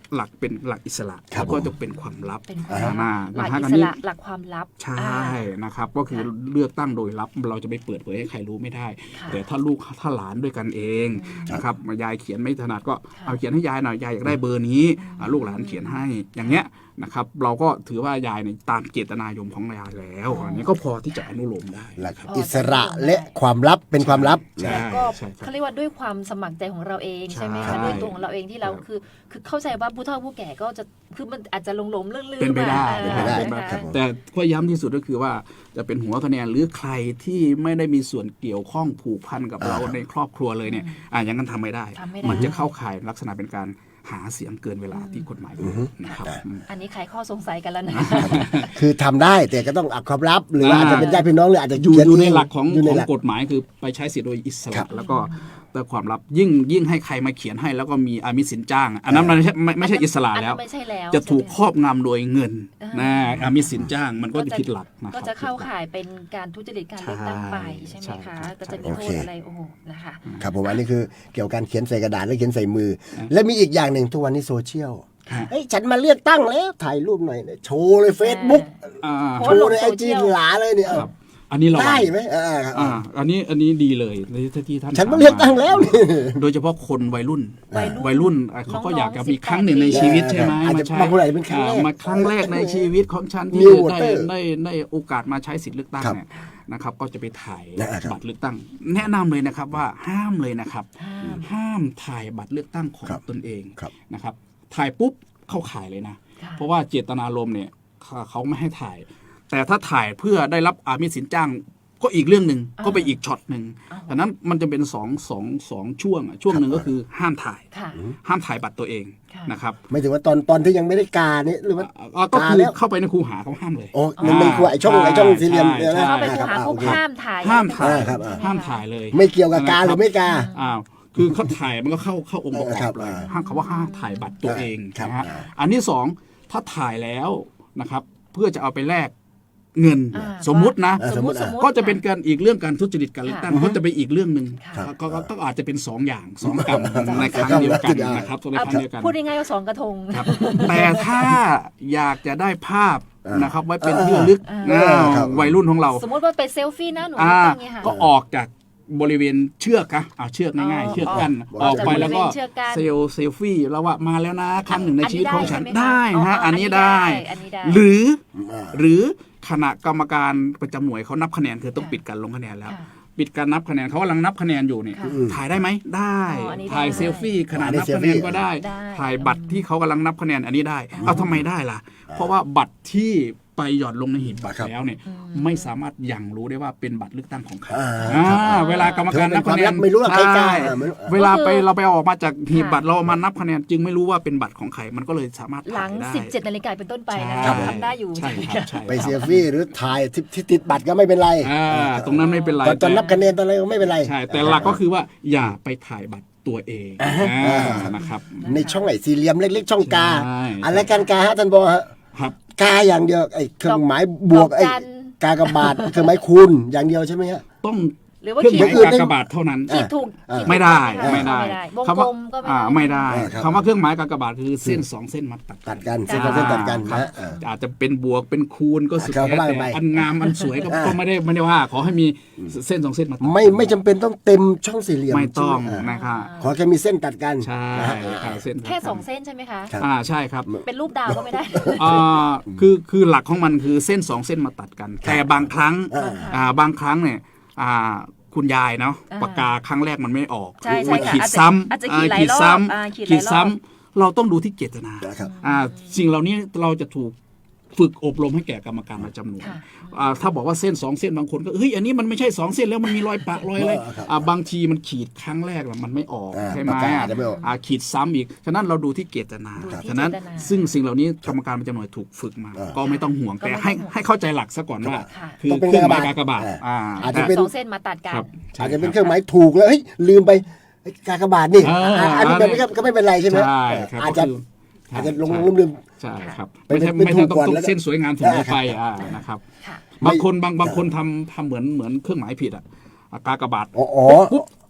S1: หลักเป็นหลักอิสระ
S2: ครับ
S1: แล้วก็จะเป็นความลับ
S3: เป็นความลับ
S1: อ่า
S3: หลัก
S1: นะฮะ
S3: อิ
S1: อัน
S3: ส
S1: นี้
S3: ระหลักความลับ
S1: ใช่
S3: อ่า
S1: นะครับ ก็คือเลือกตั้งโดยลับเราจะไปเปิดเผยให้ใครรู้ไม่ได้
S3: ค่ะ
S1: แต่ถ้าลูกถ้าหลานด้วยกันเองนะครับยายเขียนไม่ถนัดก็เอาเขียนให้ยายหน่อยยายอยากได้เบอร์นี้อ่าลูกหลานเขียนให้อย่างเงี้ยนะครับ เราก็ถือว่ายายในยตามเจตนายมของยายแล้วอันนี้ก็พอที่จะอนุโลมได้
S2: หลัก
S1: ครับ
S2: อิสระและความลับเป็นความลับ
S1: ใช่
S3: แล้วก็
S1: ใช่ครับ
S3: เขาเรียกว่าด้วยความสมัครใจของเราเอง
S1: ใช่
S3: ใช่ไหมคะด้วยตัวของเราเองที่เรา
S1: ครับ
S3: คือคือเข้าใจว่าผู้เฒ่าผู้แก่ก็จะคือมันอาจจะหลงๆลื่นๆ
S1: เป็นไปได้
S3: มา
S2: เป็นไปได้
S3: นะคะ
S2: ครับผม
S1: แต่ข้อย้ำที่สุดก็คือว่าจะเป็นหัวคะแนนหรือใครที่ไม่ได้มีส่วนเกี่ยวข้องผูกพันกับเราในครอบครัวเลยเนี่ยอ่าอย่างนั้นทำไม่ได้
S3: ทำไม่ได้
S1: มันจะเข้าข่ายลักษณะเป็นการหาเสียงเกินเวลาที่กฎหมายกำหนดนะครับอืม
S3: อันนี้ใครข้อสงสัยกันแล้วนะ
S2: คือทำได้แต่ก็ต้องอักความลับ หรือว่าอาจจะเป็นญาติพี่น้องหรืออาจจะ
S1: อยู่
S2: เขีน
S1: อยู่ใน
S2: เง
S1: หลักของ
S2: อยู่ใน
S1: ของ
S2: หลัก
S1: กฎหมายคือไปใช้สิทธิโดยอิส
S2: ครั
S1: ระ
S2: บ
S1: แล้วก็แต่ความลับยิ่งยิ่งให้ใครมาเขียนให้แล้วก็มีอามิสสินจ้าง อันนั้นมันไม่ใช่ไม่ไม่ใช่อิสระ
S3: อัน
S1: แล้
S3: นั้
S1: วน
S3: ไม่ใช่แล้ว
S1: จะถูก
S3: ใช่ไหม
S1: ครอบงำโดยเงิน
S3: อ่าน
S1: นะอามิสสินจ้างมันก็จะผิดหลักนะค
S3: ก็
S1: รับ
S3: จะเข้าข่ายเป็นการทุจริตการเลือกตั้งไป
S1: ใช่
S3: ใช่ไหม
S1: ใช่
S3: คะ
S1: ครับ
S3: ก็จะมี
S2: โอ
S3: โท
S2: เค
S3: ษอะไรโอ้โหนะคะ
S2: ครับผมอันนี้คือเกี่ยวกับการเขียนใส่กระดาษและเขียนใส่มือ และมีอีกอย่างหนึ่งทุกวันนี้โซเชียล
S1: ฮะ
S2: เฮ้ยฉันมาเลือกตั้งแล้วถ่ายรูปหน่อยโชว์เลยเฟซบุ๊ก
S1: อ่า
S3: โพ
S2: โช
S3: สต์ล
S2: ว์
S3: ง
S2: ในไอ
S3: โซเชี
S2: จี
S3: ยล
S2: หลาเลยเนี่ย
S1: ครับอันนี้เรา
S2: ได้ไหมอ่าครับ
S1: อ่าอันนี้อันนี้ดีเลยในที่ท่าน
S2: ฉัน
S1: ถ
S2: มาเลือกตั้งแล้วนี่
S1: โดยเฉพาะคนวัยรุ่น
S3: วัยรุ่น
S1: วัยรุ่นอ่ะเขาก็
S3: น้องๆ
S1: อยากจะมี
S3: สิบแปด
S1: ครั้งหนึ่งในชีวิตใช่ไหม
S2: อาจจะ
S1: มาใช้
S2: บางคนอาจจะเป็นครั้งแรก
S1: อ่ามาครั้งแรกในชีวิตของฉันที่
S2: New
S1: ได้
S2: voter
S1: ได้ได้โอกาสมาใช้สิทธิ์เลือกตั้ง
S2: ครับ
S1: เนี่ยนะครับ ก็จะไปถ่าย
S2: นะครับ
S1: บัตรเลือกตั้ง แนะนำเลยนะครับว่าห้ามเลยนะครับ
S3: ห้าม
S1: ห้ามถ่ายบัตรเลือกตั้งของ
S2: ครับ
S1: ตนเอง
S2: ครับ
S1: นะครับ ถ่ายปุ๊บเข้าข่ายเลยนะ
S3: ค่ะ
S1: เพราะว่าเจตนารมณ์เนี่ยเขาเขาไม่ให้ถ่าย แต่ถ้าถ่ายเพื่อได้รับอามิสสินจ้างก็อีกเรื่องหนึ่งก็ไปอีกช็อตหนึ่งดังนั้นมันจะเป็นสองสองสองช่วงอะช่วงหนึ่งก็คือห้ามถ่าย
S3: ค่ะ
S1: ห้ามถ่ายบัตรตัวเอง
S3: ค่ะ
S1: นะครับ
S2: ไม่ถึงว่าตอนตอนที่ยังไม่ได้กาเนี่ยหรือว่า
S1: อ่าก็
S2: กา
S1: คือ
S2: แล้ว
S1: เข้าไปในคูหาเขาห้ามเลย
S2: โอ้มันเป็นครัวไอช่องไอช่องสี่เหลี่ยมเนี่ยนะ
S1: ใช่
S3: เข้าไปคูหา
S2: อ่
S3: ปุ๊บ
S2: โอเค
S3: ห้ามถ่าย
S1: ห้ามถ่าย
S2: อ่าครับอ่า
S1: ห้ามถ่ายเลย
S2: ไม่เกี่ยวกับกาหรือไม่กา
S1: อ้าวคือเขาถ่ายมันก็เข้าเข้าองค์ประก
S2: ครั
S1: อบบ เลย
S2: อ่า
S1: ห้ามเขาว่าห้ามถ่ายบัตรตัวเอง
S2: ครับ
S1: นะฮะ
S2: อ่า
S1: อันที่สองถ้าถ่ายแล้วนะครับ เพื่อจะเอาไปแลกเงิน
S3: อ่า
S1: สมมุตินะ
S2: อ่า
S3: สมมติสมมติ
S1: ก็จะเป็นการอีกเรื่องการทุจริตการเลือกตั้ง
S3: ค่ะ
S1: ก็จะเป็นอีกเรื่องหนึ่ง
S3: ค่ะ
S1: ก็ก็ก็อาจจะเป็นสองอย่างสองกรรมในครั้งเดียวกันนะครับใน
S3: เอา
S1: ครั้งเดียวกัน
S3: พูดง่ายๆว่าสองกระทง
S1: ครับ แต่ถ้าอยากจะได้ภาพ
S2: อ่า
S1: นะครับ ไว้เป็นที่ระลึก
S3: อ่า
S1: อ้าว
S2: ครับ
S1: วัยรุ่นของเรา
S3: สมมติว่าเป็นเซลฟี่นะหนู
S1: อ่า
S3: ตั้งอย่างเงี้ยค่ะ
S1: ก็ออกจากบริเวณเชือกอะอ่าเชือกง่าย
S3: อ๋อ
S1: ๆ เชือกกั้น
S2: อ๋อ
S1: ออกไปแล้วก็
S3: จากบริเวณเชือกกั้น
S1: เซลเซลฟี่แล้วว่ามาแล้วนะครั้งหนึ่งในชีวิตของฉัน
S3: อันนี้ได้
S1: ได้
S3: ใช่ไหมคะ
S1: ฮะ
S3: อ๋ออั
S1: อัน
S3: นนี้
S1: นี้
S3: ได้
S1: ได้
S3: อันนี้ได้
S1: หรือ
S2: อ่า
S1: หรือคณะกรรมการประจำหน่วยเขานับคะแนนคือต้องปิดการลงคะแนนแล้ว
S3: ค่ะ
S1: ปิดการนับคะแนนเขากำลังนับคะแนนอยู่เนี่ย
S3: ค่ะ
S1: ถ่ายได้ไหมได้
S3: อ๋ออันนี้ได้
S1: ถ่ายเซลฟี่ขณะ
S2: อันนี้
S1: นับคะแนนก็ได้
S3: ได้
S1: ถ่ายบัตรที่เขากำลังนับคะแนนอันนี้ได้เอาทำไมได้ล่ะ เพราะว่าบัตรที่ไปหย่อนลงในหีบบัตร
S2: ครับ
S1: แล้วเนี่ยไม่สามารถยังรู้ได้ว่าเป็นบัตรเลือกตั้งของใคร
S2: อ่า
S1: อ่าเวลากรรมการนับคะแนน
S2: ไม่รู้ว่าใครกล้า
S1: ใช่
S2: อ่าไม่รู้
S1: เวลาไปเราไปเอาออกมาจากหีบ
S3: ค่ะ
S1: บัตรเราเอามานับคะแนนจึงไม่รู้ว่าเป็นบัตรของใครมันก็เลยสามารถ
S3: หลั
S1: ถ่าง ยได้
S3: สิบเจ็ดนาฬิกาเป็นต้นไปนะ
S1: ใช่
S3: คะทำได้อยู่
S1: ใช่ครับใช่
S2: ไปเซลฟี่หรือถ่ายที่ที่ติดบัตรก็ไม่เป็นไร
S1: อ่าตรงนั้นไม่เป็นไร
S2: ตอนตอนนับคะแนนตอนอะไรก็ไม่เป็นไร
S1: ใช่แต่หลักก็คือว่าอย่าไปถ่ายบัตรตัวเองอ่านะครับ
S2: ในช่องไหนสี่เหลี่ยมเล็กๆช่องกา
S1: ใช่
S2: อะไรกันกาฮะท่านบอกฮะ
S1: ครับ
S2: กาอย่างเดียวไอ้เครื่องหมายบวก
S3: ดอก
S2: ไอ้
S3: จัน
S2: กากบาทเครื่องหมายคูณอย่างเดียวใช่ไหมฮะ
S1: ต้อง
S3: หรือว่า
S1: เครื่องห
S3: ขีด
S1: มายกากบาทเท่านั้น
S3: ขีดถูก
S2: อ่า
S3: ขีถูก
S1: ไม่ได้
S3: ห
S1: ไม่ได้
S3: วง
S1: คำ
S3: กล
S1: ว่าม
S3: ก็ไม่
S1: อ่า
S3: ได้
S1: ไม่ได้
S2: อ่าครับ
S1: คำว่าเครื่องหมายกากบาทคือเส้นสองเส้นมาตัด
S2: ตัดกันเส้นกับเส้นตัดกัน
S1: ครับ
S2: นะอ่า
S1: อาจจะเป็นบวกเป็นคูณก็สุด
S2: ครับ
S1: แท้
S2: ว่า
S1: แต่
S2: ไป
S1: อันงามอันสวยก็
S2: อ่า
S1: ก็ไม่ได้ไม่ได้ว่า ขอให้มีเส้นสองเส้นมาตัด
S2: ไม่ไม่จำเป็นต้องเต็มช่องสี่เหลี่ยม
S1: ไม่ต้อง
S2: ใช่ไหม
S1: นะครับ
S2: ขอแค่มีเส้นตัดกัน
S1: ใช่
S2: นะฮะ
S1: ครับเส้น
S3: แค่สองเส้นใช่ไหมคะ
S2: ครับ
S1: อ่าใช่ครับ
S3: เป็นรูปดาวก็ไม่ได้
S1: อ่าคือคือหลักของมันคือเส้นสองเส้นมาตัดกัน แต่บางครั้ง
S2: อ่า
S1: อ่าบางครั้งเนี่ยอ่าคุณยายเนาะ
S3: อ่า
S1: ปากกาครั้งแรกมันไม่ออก
S3: ใช่ใช่
S1: มา
S3: ค่ะ
S1: ขีด
S3: อาจจะ
S1: ซ้ำ
S3: อาจจะ
S1: อ่า
S3: ขีดหลายรอบ
S1: ซ้
S3: อ่าขีด
S1: ำ
S3: หลายรอบ
S1: ขีดซ้ำเราต้องดูที่เจตนา
S2: นะครับ
S1: อ่าสิ่งเหล่านี้เราจะถูกฝึกอบรมให้แก่กรรมการประจำหน่วย
S3: ค่ะ
S1: อ่าถ้าบอกว่าเส้นสองเส้นบางคนก็เฮ้ยอันนี้มันไม่ใช่สองเส้นแล้วมันมีรอยปะรอยอะไร
S2: เออครับ
S1: อ่าบางทีมันขีดครั้งแรกน่ะมันไม่ออก
S2: อ่า
S1: ใช่ไหม
S2: ปากกาอาจจะไม่ออก
S1: อ่าขีดซ้ำอีกฉะนั้นเราดูที่เจตนา
S3: ดูที่
S1: ฉะนั้น
S3: เจตนา
S1: ซึ่งสิ่งเหล่านี้กรรมการประจำหน่วยถูกฝึกมา
S2: อ่า
S1: ก็ไม่ต้องห่วง
S3: ก็
S1: แต่
S3: ไม่ต้อง
S1: ให้
S3: ห่วง
S1: ให้เข้าใจหลักซะก่อนว่า
S3: ค่ะ
S1: คือ
S2: ต้องเป็น
S1: เครื่องหมาย
S2: กาก
S1: ากบาท
S2: บาท
S1: อ่า
S2: อาจจะเป็น
S3: สองเส้นมาตัดกัน
S1: ครับ
S2: อาจจะเป็นเครื่องหมายถูกแล้วเฮ้ยลืมไปไอ้กากบาทนี่
S1: อ่า
S2: อ่าอันนี้แบบนี้ก็ก็ไม่เป็นไรใช่ไหม
S1: ใช่ครับ
S2: อาจจะ
S1: ก็คือ
S2: อาจจะลง
S1: ใช่
S2: ลืมลืม
S1: ใช่ครับ
S2: เป็น
S1: ไม่ใช่
S2: เป็น
S1: ไม่ใช่ต้อง
S2: ถูกก่อน
S1: ต้อง
S2: แล้วก็
S1: เส้นสวยงามเสมอไปอ่านะครับ
S3: ค่ะ
S1: บางคนบางบางคนทำทำเหมือนเหมือนเครื่องหมายผิดอ่ะอ่ะกากบาท
S2: อ๋ออ๋อ
S1: ปุ๊บ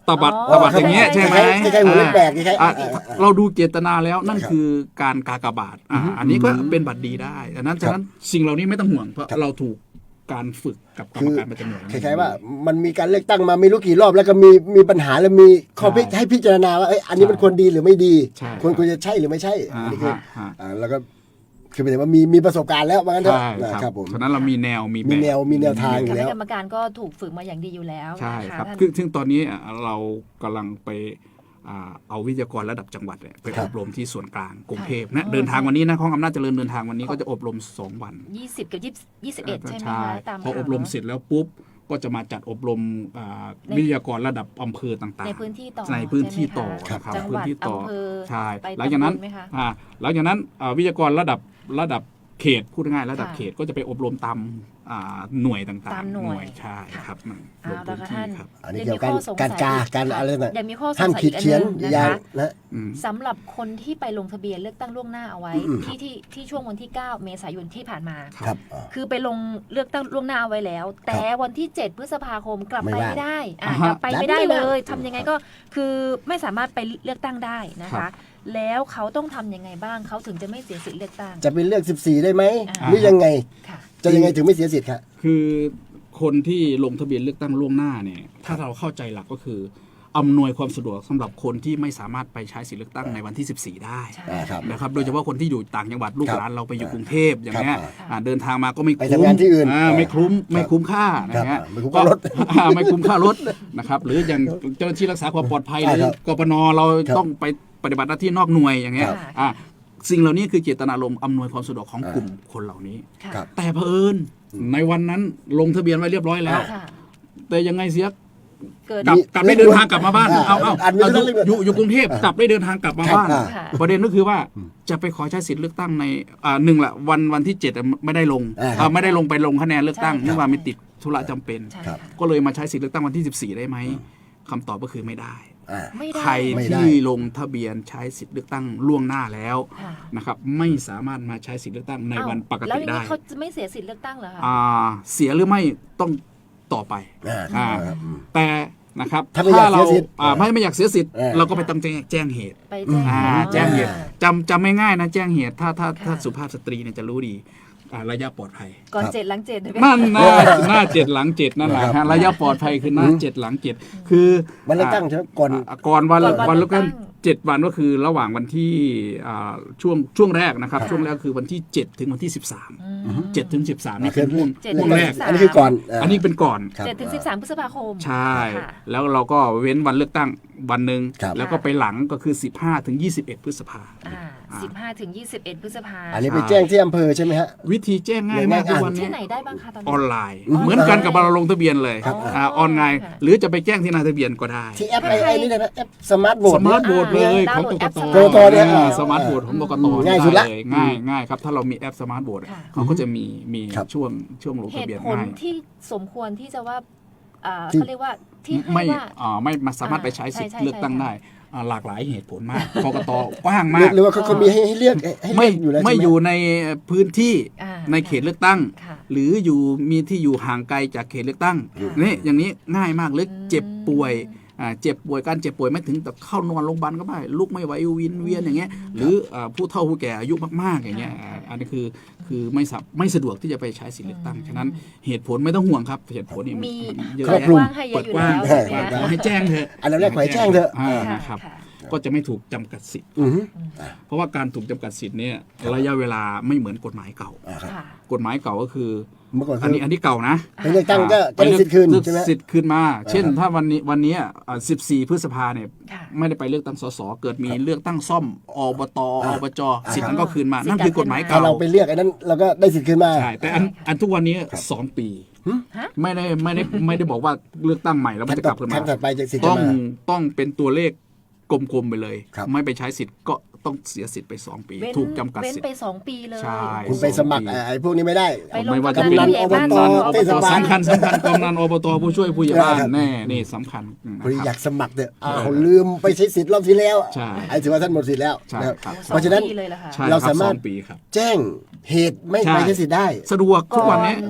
S1: ตบัด
S3: อ๋อ
S1: ตบัดอย่างเงี้ยใช่ไหม
S2: คล้ายๆหัวเล็กแบกคล้ายๆ
S1: อ่ะ
S2: อ่าอ่าอ่า
S1: เราดูเจตนาแล้วนั่น
S2: ครับ
S1: คือการกากบาทอ่ะอันนี้ก็เป็นบัตรดีได้ดังนั้นฉะนั้นสิ่งเหล่านี้ไม่ต้องห่วงเพราะ
S2: ครับ
S1: เราถูกการฝึกกับกรรมการประจำหน่วย
S2: คล้ายๆว่ามันมีการเลือกตั้งมาไม่รู้กี่รอบแล้วก็มีมีปัญหาแล้วมีข้อพิ
S1: ใช่
S2: ให้พิจารณาว่าเอ้ยอันนี้มันควรดีหรือไม่ดี
S1: ใช่
S2: ควรควรจะใช่หรือไม่ใช่
S1: อ่า
S2: อันนี้คือ
S1: ฮะฮะ
S2: อ่าแล้วก็คือหมายถึงว่ามีมีประสบการณ์แล้วว่างั้นเถอะ
S1: ใช่
S2: นะค
S1: ค
S2: รั
S1: รั
S2: บบ ผม
S1: ฉะนั้นเรามีแนวมี
S2: มี
S1: แบบ
S2: แนวมีแนวทาง
S3: คณะกรรมการก็ถูกฝึกมาอย่างดีอยู่แล้ว
S1: ใช่
S3: นะคะ
S1: ครับ
S3: ท่าน
S1: คือซึ่งตอนนี้เรากำลังไปอ่าเอาวิทยากรระดับจังหวัดเนี่ยไป
S2: ครั
S1: อบ บรมที่ส่วนกลางกรุงเทพ
S3: ค่ะ
S1: นะเดินทางวันนี้นะของอำนาจเจริญเดินทางวันนี้ก็จะอบรมสองวัน
S3: ยี่สิบกับยี่สิบยี่สิบเอ็ดใช่ไหมคะตาม
S1: พออบรมเสร็จแล้วปุ๊บก็จะมาจัดอบรมอ่าวิทยากรระดับอำเภอต่างๆ
S3: ในพื้นที่ต่อ
S1: ในพื้นที่ต่อ
S3: ใช่ไหมคะ
S1: นะครับ
S3: จังห
S1: พื้
S3: วัน ด
S1: ที่ต่อ
S3: อำเภอ
S1: ใช่
S3: ไป
S1: หลังจากนั้น
S3: ตำบลไหมคะ
S1: อ่าหลังจากนั้นอ่าวิทยากรระดับระดับเขตพูดง่ายๆระดับ
S3: ค่ะ
S1: เขตก็จะไปอบรมตามอ่าหน่วยต่างๆ
S3: ตามหน่วย
S1: ใช่
S3: ค่ะ
S1: ครับมันล
S3: เอา
S1: ง
S3: ละ
S1: พื้น
S3: ค่ะ
S1: ที่
S3: ท่าน
S1: ครับ
S2: อันนี้
S3: ดี๋
S2: เกี่
S3: ว
S2: ยวกับ
S3: มีข้อสง
S2: การ
S3: สัย
S2: กา
S3: อี
S2: การอะไรต่าง
S3: เดี๋ยวมีข้อสง
S2: ห้าม
S3: สัย
S2: ขี
S3: อี
S2: ด
S3: กอัน
S2: เขียน
S3: หนึงนะ
S2: อย่าง
S3: คะ
S2: นะ
S1: อืม
S3: สำหรับคนที่ไปลงทะเบียนเลือกตั้งล่วงหน้าเอาไว้
S2: อืม
S3: ที่ที่ที่ช่วงวันที่ เก้า เมษายนที่ผ่านมา
S2: ครับอ่า
S3: คือไปลงเลือกตั้งล่วงหน้าเอาไว้แล้ว แต่วันที่ เจ็ด พฤษภาคมกลับไป
S2: ไม่ว่าง
S3: ไม่ได้อ่ะ
S1: อ่าฮะ
S3: กลับไปไม่ได้
S2: ดันไม่
S3: เล
S2: ว่าง
S3: ยทำยังไงก็คือไม่สามารถไปเลือกตั้งได้นะ
S1: ครั
S3: คะ
S1: บ
S3: แล้วเขาต้องทำยังไงบ้างเขาถึงจะไม่เสียสิทธิ์เลือกตั้ง
S2: จะไปเลือกสิบสี่ได้ไหม
S3: อ่า
S2: หรือยังไง
S3: ค่ะ
S2: จะยังไงถึงไม่เสียสิทธิ์ครับ
S1: คือคนที่ลงทะเบียนเลือกตั้งล่วงหน้าเนี่ยถ้าเราเข้าใจหลักก็คืออำนวยความสะดวกสำหรับคนที่ไม่สามารถไปใช้สิทธิเลือกตั้งในวันที่ สิบสี่ ได้
S3: ใช่
S2: อ่าครับ
S1: นะครับโดยเฉพาะคนที่อยู่ต่างจังหวัดลูก
S2: ครับ
S1: หลานเราไปอยู่กรุงเทพอย่างเงี้ย
S2: ครับ
S1: อ่าเดินทางมาก็ไม่
S2: ไป
S1: คุ้ม
S2: ทำงานที่อื่น
S1: อ่าไม่คุ้มไม่คุ้มค่า
S2: ครั
S1: นะ
S2: บ
S1: ฮะ
S2: ไม่คุ้มค่ารถ
S1: อ่าไม่คุ้มค่ารถนะครับหรืออย่างเจ้าหน้าที่รักษาความปลอดภัยห
S2: ใช่
S1: รือ
S2: ครับ
S1: กปนเรา
S2: ครับ
S1: ต้องไปปฏิบัติหน้าที่นอกหน่วยอย่างเงี้ย
S3: ครับ
S1: อ่าสิ่งเหล่านี้คือเจตนารมณ์อำนวยความสะดวกของ
S2: อ่าก
S1: ลุ่มคนเหล่านี้
S3: ค่ะ
S2: ครับ
S1: แต่เผอิญในวันนั้นลงทะเบียนไว้เรียบร้อยแล้ว
S3: ค่ะ
S1: แต่ยังไงเสีย
S3: เกิด
S1: กลับ
S2: มี
S1: กลับได้เดินทางกลับมาบ้าน
S2: อ่า
S1: เอาเอา
S2: อันไม่
S1: เอา
S2: ได้
S1: อยู่
S2: เรื่อง
S1: อยู่อยู่กรุงเทพกลับได้เดินทางกลับมา
S2: ครับ
S1: บ้าน
S2: อ่า
S3: ค่ะ
S1: ประเด็นก็คือว่าจะไปขอใช้สิทธิ์เลือกตั้งในอ่าหนึ่งละวันวันที่เจ็ดไม่ได้ลง
S2: อ่าครับ
S1: อ่าไม่ได้ลงไปลงคะแนนเลือกตั้ง
S3: ใช่
S1: เนื่องว่ามีติดธุระจำเป็น
S3: ใช่
S2: ครั
S3: ค่ะ
S2: บ
S1: ก็เลยมาใช้สิทธิ์เลือกตั้งวันที่สิบสี่ได้ไหมคำตอบก็คือไม่ได้
S2: อ่า
S3: ไม่ได้
S1: ใคร
S2: ไม่ได้
S1: ที่ลงทะเบียนใช้สิทธิ์เลือกตั้งล่วงหน้าแล้ว
S3: ค่ะ
S1: นะครับไม่สามารถมาใช้สิทธิ์เลือกตั้งใน
S3: อ้า
S1: วันปก
S3: แล้ว
S1: ติ
S3: อย่าง
S1: ได้
S3: นี้เขาจะไม่เสียสิทธิ์เลือกตั้งเหรอคะ
S1: อ่าเสียหรือไม่ต้องต่อไป
S2: อ่า
S1: อ่า
S2: ครับ
S1: แต่นะครับ
S2: ถ้าไม่อยาก
S1: เรา
S2: เสียสิทธิ์
S1: อ่าไม่ไม่อยากเสียสิทธิ์
S2: เออ
S1: เราก็ไปต้องแจ้งแจ้งเหตุ
S3: ไปแจ้ง
S1: อ่า
S3: เหตุ
S1: แจ้งเหตุ
S3: อ่า
S1: จำจำไม่ง่ายนะแจ้งเหตุถ้าถ้าถ้า
S3: ค่ะ
S1: สุภาพสตรีเนี่ยจะรู้ดีอ่าระยะปลอดภัย
S3: ก่อน
S2: ครับ
S3: เจ็ดหลังเจ็ดถูกไหม
S1: นั่นหน้าหน้าเจ็ดหลังเจ็ดนั่นแหละ
S2: ครั
S1: ฮะ
S2: บ
S1: ระยะปลอดภัยคือหน้าเจ็ดหลังเจ็ดคือ
S2: วันเลือกตั้งใช่ไหมก่อน
S1: อ่าก่อนวัน
S3: ก่อนวัน
S1: วันเลือกตั้ง
S3: เลือกตั้ง
S1: เจ็ดวันก็คือระหว่างวันที่อ่าช่วงช่วงแรกนะครับ
S3: ค่ะ
S1: ช่วงแรกคือวันที่เจ็ดถึงวันที่สิบสาม
S3: อืม
S1: เจ็ดถึงสิบสามนี่
S2: คื
S1: เป็นห่วง
S3: เจ็ด
S1: ห่วงแรก
S3: ถึงสิบสาม
S2: อันนี้คือก่อนา
S1: อันนี้เป็นก่อน
S2: ครับ
S3: เจ็ดถึงสิบสามพฤษภาคม
S1: ใช่
S3: ค่ะ
S1: แล้วเราก็เว้นวันเลือกตั้งวันหนึ่ง
S2: ครับ
S1: แล้วก็ไปหลังก็คือ สิบห้าถึงยี่สิบเอ็ด พฤษภา
S3: อ่าสิบห้าถึงยี่สิบเอ็ดพฤษภา
S2: อันนี้ไปแจ้งที่อำเภอใช่ไหมฮะ
S1: วิธีแจ้งง่ายมาก
S2: ง่ายๆ
S1: ทุกวัน
S3: ที่
S1: นี้
S3: ไหนได้บ้างคะตอน
S1: อ
S3: นี้
S1: อนไลน์
S2: อืม
S1: เหมือนกันกับเราลงทะเบียนเลย
S2: ครับ
S1: อ่าออนไลน์
S3: ค่ะ
S1: หรือจะไปแจ้งที่นายทะเบียนก็ได้
S2: ที่แอปไอ้ไอ้นี่เลยนะแอปสมาร์ทโหว
S1: ส
S2: ต
S1: มาร์ทโหวตเลย
S3: อ่า
S1: ของกกต
S3: ดาวน์โหลดแอป
S2: กกตเนี่ย
S1: อ่า
S2: อ่า
S1: สมาร์ทโหวตของกกต
S2: อืมง่ายสุดละ
S1: ไง่ายง่ายครับถ้าเรามีแอปสมาร์ทโหวต
S3: ค่ะ
S1: เขาก็จะมีมี
S2: ครับ
S1: ช่วงช่วงลง
S3: เห
S1: ทะ
S3: ตุ
S1: เบียน
S3: ผล
S1: ง่าย
S3: ที่สมควรที่จะว่าอ่า
S2: ที่
S3: เขาเรียกว่าที่ให้
S1: ไม่
S3: ว่า
S1: อ่าไม่มาสามารถไปใช้สิทธิ์
S3: ใช่ใช่
S1: เลือกตั้ง
S3: ใช่
S1: ได้อ่าหลากหลายเหตุผลมากกกตกว้าง
S2: ห
S1: มา
S2: รือก หรือว่าเขาเขามีให้ให้เลือกให้เลื
S1: ไม่
S2: อกอยู่แล้ว
S1: ไม่
S2: ใช่ห
S1: อยู่ในพื้นที่
S3: อ่า
S1: ในเขตเลือกตั้ง
S3: ค่ะ
S1: หรืออยู่มีที่อยู่ห่างไกลจากเขตเลือกตั้ง
S3: ค่ะ
S1: นี่อย่างนี้ง่ายมากเลย
S3: อืม
S1: เจ็บป่วยอ่าเจ็บป่วยการเจ็บป่วยไม่ถึงแต่เข้านอนโรงพยาบาลก็ได้ลุกไม่ไหววินเวียนอย่างเงี้ยหรืออ่าผู้เฒ่าผู้แก่อายุมากๆอย่างเงี้ยอ่าอันนี้คือคือไม่สับไม่สะดวกที่จะไปใช้สิทธิเลือกตั้งฉะนั้นเหตุผลไม่ต้องห่วงครับเหตุผลนี่
S3: มี
S1: เยอะ
S2: ครอบ
S1: แยะ
S2: คลุม
S3: กว้างให้เย
S1: เปิ
S3: อะ
S1: ด
S3: อยู่
S1: กว้าง
S3: แล้วใช่ไหม
S1: ขอ
S3: คะ
S1: ให้แจ้งเถอะ
S2: อันดับแรกขอให้แจ้งเถอะ
S1: อ่า
S3: ค่ะ
S1: นะครับ
S3: ค่ะ
S1: ก็จะไม่ถูกจำกัดสิทธิ์
S2: อือฮึ
S1: เพราะว่าการถูกจำกัดสิทธิ์เนี่ยระยะเวลาไม่เหมือนกฎหมายเก่า
S2: อ่าครับ
S3: ค่ะ
S1: กฎหมายเก่าก็คือ
S2: เมื่อก่อน
S1: อันนี้อันนี้เก่านะ
S2: ไปเลือกตั้งก็จะได้สิทธิ์คืนใช่ไหม
S1: สิทธิ์คืนมา เช่น ถ้าวันนี้วันนี้อ่าสิบสี่ พฤษภาเนี่ย
S3: ค่ะ
S1: ไม่ได้ไปเลือกตั้งสสเกิดมีเลือกตั้งซ่อมอบต
S2: อ่า
S1: อบจ
S2: อ่า
S1: สิทธิ์นั้นก็คืนมา
S3: สิทธิ์
S1: นั่นคือกฎหมาย
S2: ถ้า
S1: เก่า
S2: เราไปเลือกไอ้นั้นเราก็ได้สิทธิ์คืนมา
S1: ใช่แต่อันอันทุกวันนี้สองปี
S3: ฮะ
S1: ไม่ได้ไม่ได้ไม่ได้บอกว่าเลือกตั้งใหม่แล้ว
S2: ค
S1: มั
S2: รั้
S1: น
S2: ง
S1: จะ
S2: ต่
S1: ก
S2: อ
S1: ลับคืน
S2: ครั้ง
S1: มา
S2: ถัดไปจะสิทธิ์
S1: ต้
S2: จะ
S1: อง
S2: มา
S1: ต้องเป็นตัวเลขกลมๆไปเลย
S2: ครับ
S1: ไม่ไปใช้สิทธิ์ก็ต้องเสียสิทธิ์ไปสองปี
S3: เว้น
S1: ถูกจำกัด
S3: เว้น
S1: สิทธิ์
S3: ไปสองปีเลย
S1: ใช่
S2: คุณไปสมัครไอ้พวกนี้ไม่ได้
S3: ไปลง
S1: ไม่ว่า
S3: ทะ
S1: จะ
S3: เบียน
S1: เป็น
S3: ผู้ใหญ่บ้าน
S2: อบต
S3: ตอน
S2: เทศบาล
S1: สำคัญสำคัญกำนันอบตผู้ช่วยผู้ใหญ่บ้าน
S2: ครับ
S1: แน่นี่สำคัญนะ
S2: พอดี
S1: ค
S2: อ
S1: รั
S2: ยา
S1: บ
S2: กสมัครเถอะอ้าวลืมไปใช้สิทธิ์รอบที่แล้ว
S1: ใช่
S2: ไอ้ถือว่าท่านหมดสิทธิ์แล้ว
S1: ใช่
S2: นะครับ
S1: ครับ
S2: เพราะฉะนั้น
S3: สองปีเลยเหรอคะ
S1: ใช่
S2: เรา
S1: ครับ
S2: สามารถ
S1: สองปีครับ
S2: แจ้งเหตุไม่
S1: ใช่
S2: ไปใช้สิทธิ์ได้
S1: สะดวกทุกวันนี้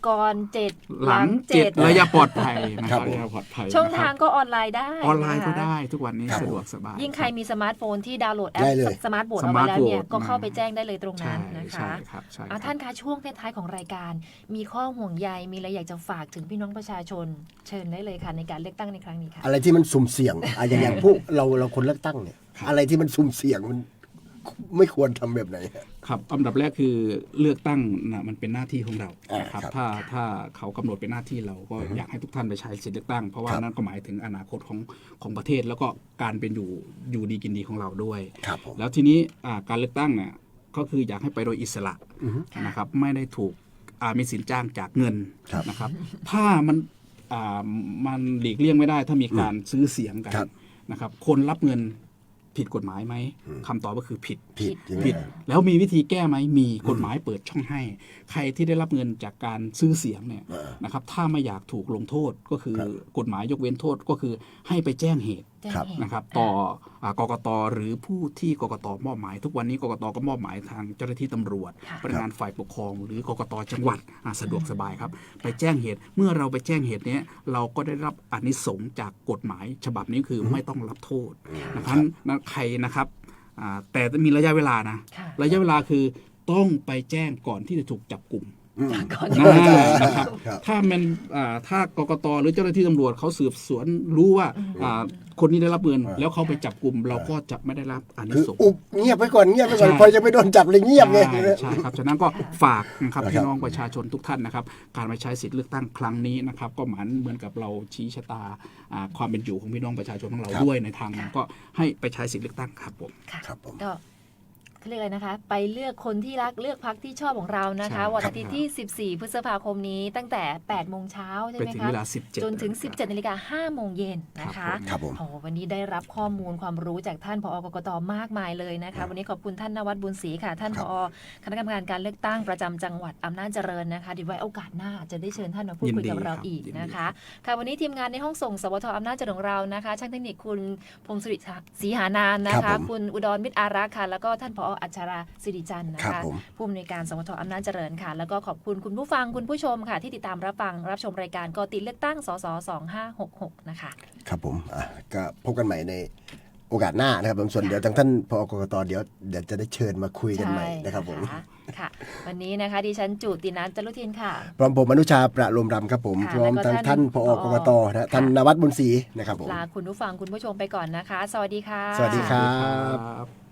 S3: ก่อนเจ็ด
S1: หลังเจ็ดระยะปลอดภัยนะค
S2: ครั
S1: รับบ
S2: ผม
S1: ระยะปลอดภัย
S3: ช่อง
S1: นะครับ
S3: ทางก็ออนไลน์ได้
S1: ออนไลน์ก็
S3: นะคะ
S1: ได้ทุกวันนี้
S2: ครับ
S1: สะดวกสบาย
S3: ยิ่งใครมีสมาร์ทโฟนที่ดาวน์โหลดแอป
S2: ได้เลย
S3: สมาร์ทโหวตเอาไว้แล้วเนี่ย
S1: สมาร์ทโหวต
S3: ก็เข้าไปแจ้งได้เลยตรง
S1: ใช่
S3: นั้นนะ
S1: ใช่
S3: คะ
S1: ครับใช่ค
S3: อ่ะ
S1: รับ
S3: ท่านคะช่วงท้ายๆของรายการ มีข้อห่วงใยมีอะไรอยากจะฝากถึงพี่น้องประชาชน เชิญได้เลยค่ะในการเลือกตั้งในครั้งนี้ค่ะ
S2: อะไรที่มันสุ่มเสี่ยงอะอย่างอย่างพวกเราเราคนเลือกตั้งเนี่ยอะไรที่มันสุ่มเสี่ยงมันไม่ควรทำแบบไหน
S1: ครับอันดับแรกคือเลือกตั้งนะมันเป็นหน้าที่ของเรา
S2: อ่า
S1: นะครับ
S2: ครับ
S1: ถ้าถ้าเขากำหนดเป็นหน้าที่เราก็อยากให้ทุกท่านไปใช้สิทธิเลือกตั้ง เพราะว่า
S2: ครับ
S1: นั่นก็หมายถึงอนาคตของของประเทศ แล้วก็การเป็นอยู่อยู่ดีกินดีของเราด้วย
S2: ครับผม
S1: แล้วทีนี้อ่าการเลือกตั้งเนี่ยก็คืออยากให้ไปโดยอิสระ
S2: อือฮึ
S1: นะครับไม่ได้ถูกอ่ามีสินจ้างจากเงิน
S2: ครับ
S1: นะครับ ถ้ามันอ่ามันหลีกเลี่ยงไม่ได้ถ้ามีการซื้อเสียงกัน
S2: ครับ
S1: นะครับคนรับเงินผิดกฎหมายไหมคำตอบก็คือผิด
S2: ผิดอย่าง
S1: ผิ
S2: นี้
S1: ดแล้วมีวิธีแก้ไหมมีกฎหมายเปิดช่องให้ ใครที่ได้รับเงินจากการซื้อเสียงเนี่ย
S2: เออ
S1: นะครับถ้าไม่อยากถูกลงโทษก็คือ
S2: ครับ
S1: กฎหมายยกเว้นโทษก็คือให้ไปแจ้งเหตุ
S3: แจ้ง
S2: ครับ
S3: เหตุ
S1: นะครับต่ออ่ากกตหรือผู้ที่กกตมอบหมาย ทุกวันนี้กกตก็มอบหมายทางเจ้าหน้าที่ตำรวจ
S3: ค่ะ
S1: พนักงานฝ่ายปกครอง หรือกกตจังหวัดอ่าสะดวกสบายครับ ไปแจ้งเหตุเมื่อเราไปแจ้งเหตุเนี้ยเราก็ได้รับอานิสงส์จากกฎหมายฉบับนี้คือไม่ต้องรับโทษนะครับนั้นใครนะครับอ่าแต่มีระยะเวลานะ
S3: ค่ะ
S1: ระยะเวลาคือต้องไปแจ้งก่อนที่จะถูกจับกลุ่ม
S2: อืม
S3: ก่อน
S1: นะ
S2: ใช่
S1: นะครับ
S2: ครับ
S1: ถ้ามันอ่าถ้ากกตหรือเจ้าหน้าที่ตำรวจเขาสืบสวนรู้ว่าอ่าคนนี้ได้รับเงิน
S2: อ่า
S1: แล้วเขาไปจับกลุ่มเราก็จะไม่ได้รับอานิ
S2: คือ
S1: สงส์
S2: อุบเงียบไปก่อนเงียบไปก่อน
S1: ใช่
S2: พอจะไม่โดนจับเลยเงียบไง
S1: ใช่ใช่ครับฉะนั้นก็ฝากนะครับ
S2: ครับ
S1: พี่น้องประชาชนทุกท่านนะครับ การมาใช้สิทธิเลือกตั้งครั้งนี้นะครับ ก็เหมือนเหมือนกับเราชี้ชะตาอ่าความเป็นอยู่ของพี่น้องประชาชนของเรา
S2: ครับ
S1: ด้วยในทางนั้นก็ให้ไปใช้สิทธิเลือกตั้งครับผม
S3: ค่ะ
S2: ครับผม
S3: ก็เขาเรียกอะไรนะคะ ไปเลือกคนที่รักเลือกพรรคที่ชอบของเรานะคะ
S1: ใช่
S3: วันอาทิตย์ที่ สิบสี่ พฤษภาคมนี้ตั้งแต่ แปด โมงเช้าใช่
S1: ไป
S3: ไหม
S1: ถึง
S3: คะ
S1: เวลาสิบเจ็ด
S3: จนถึง สิบเจ็ด นาฬิกา ห้า โมงเย็นนะคะ
S2: ครับผม
S3: โอ้วันนี้ได้รับข้อมูลความรู้จากท่านผอกกตมากมายเลยนะคะ วันนี้ขอบคุณท่านนวัดบุญศรีค่ะ ท่าน
S2: ค
S3: ผ
S2: รับ
S3: อคณะกรรมการการเลือกตั้งประจำจังหวัดอำนาจเจริญนะคะเดี๋ยวไว้โอกาสหน้าจะได้เชิญท่านมาพูดคุยกับเราอีกนะคะ ค่ะวันนี้ทีมงานในห้องส่งสวทอำนาจเจริญของเรานะคะ ช่างเทคนิคคุณพงศริศรีหานานนะ
S2: ครั
S3: คะ
S2: บผม
S3: คุณอุดรมิตรอารักษ์ค่ะ แล้วก็ท่านผออัชราสิริจันทร์นะ
S2: ครั
S3: คะ
S2: บผม
S3: ผู้อำนวยการสวทอำนาจเจริญค่ะ แล้วก็ขอบคุณคุณผู้ฟังคุณผู้ชมค่ะ ที่ติดตามรับฟังรับชมรายการกอติเลือกตั้งสสสองห้าหกหกนะคะ
S2: ครับผมอ่ะก็พบกันใหม่ในโอกาสหน้านะครับผมส่วนเดี๋ยวทางท่านพอกกตเดี๋ยวเดี๋ยวจะได้เชิญมาคุยกันใหม่นะครับผม
S3: ใช่ค่ะ วันนี้นะคะดิฉันจูตินันท์จรุทินค่ะ
S2: พร้อมผมอนุชาประโลมรำครับผม
S3: ค่ะ
S2: พร้อม
S3: แล้วก็
S2: ทาง
S3: ท่า
S2: ท่าน นพอกกตนะ
S3: ค่ะ
S2: ท่านนวัดบุญศรีนะครับผม
S3: ลาคุณผู้ฟังคุณผู้ชมไปก่อนนะคะ สวัสดีค่ะ
S2: สวัสดีครับ
S1: ครับ